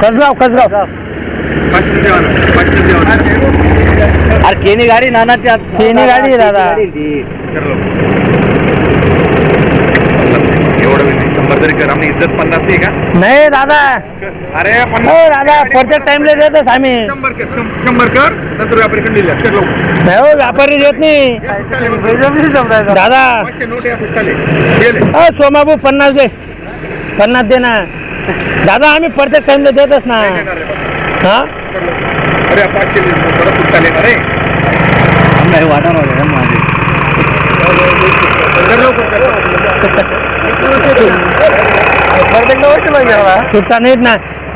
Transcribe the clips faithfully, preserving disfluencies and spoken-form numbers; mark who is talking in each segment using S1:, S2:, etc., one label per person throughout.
S1: कसगाव कसगाव
S2: अरे केनी गाडी नाना त्या
S1: केनी गाडी आहे दादा.
S3: एवढं शंभर तरी कर आम्ही इज्जत पन्नास आहे का?
S1: नाही दादा.
S3: अरे
S1: हो दादा प्रत्येक टाइमला देतच आम्ही.
S3: शंभर कर शंभर कर नंतर व्यापारी कडे दिल्या कर लवकर.
S1: नाही हो व्यापारी देत नाही दादा.
S3: नोट या चालेल
S1: हो सोमाबू पन्नास दे पन्नास दे ना दादा. आम्ही प्रत्येक टाइमला देतच ना. हा
S3: अरे पाचशे परत सुट्टा येणार रे.
S2: नाही वाटणार आहे माझे
S1: सुट्टा नाहीत ना.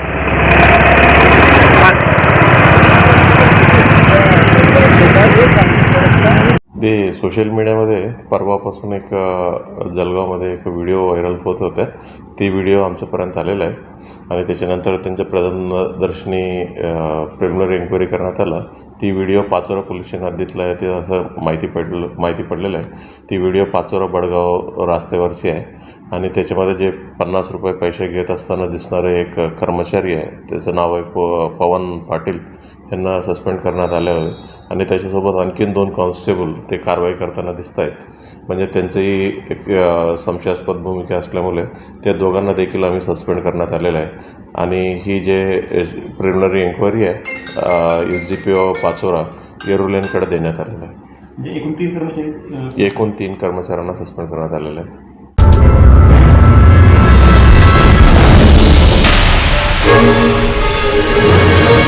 S4: ते सोशल मीडियामध्ये परवापासून एक जळगावमध्ये एक व्हिडिओ व्हायरल होत होत्या. ती व्हिडिओ आमच्यापर्यंत आलेला आहे आणि त्याच्यानंतर त्यांच्या प्रथमदर्शनी प्रिलिमिनरी एन्क्वायरी करण्यात आला. ती व्हिडिओ पाचोरा पोलीस स्टेशन हद्दीतला आहे ते असं माहिती पडलं माहिती पडलेलं आहे. ती व्हिडिओ पाचोरा बडगाव रस्त्यावरची आहे आणि त्याच्यामध्ये जे पन्नास रुपये पैसे घेत असताना दिसणारे एक कर्मचारी आहे, त्याचं नाव आहे प पवन पाटील, यांना सस्पेंड करण्यात आले आहे आणि त्याच्यासोबत आणखीन दोन कॉन्स्टेबल ते कारवाई करताना दिसत आहेत. म्हणजे त्यांचीही एक संशयास्पद भूमिका असल्यामुळे त्या दोघांना देखील आम्ही सस्पेंड करण्यात आलेलं आहे. आणि ही जे प्रिलिमिनरी एन्क्वायरी आहे S G P O Pachora येरुलेनकडे देण्यात आलेलं आहे.
S5: एकूण तीन कर्मचारी
S4: एकूण तीन कर्मचाऱ्यांना सस्पेंड करण्यात आलेलं आहे.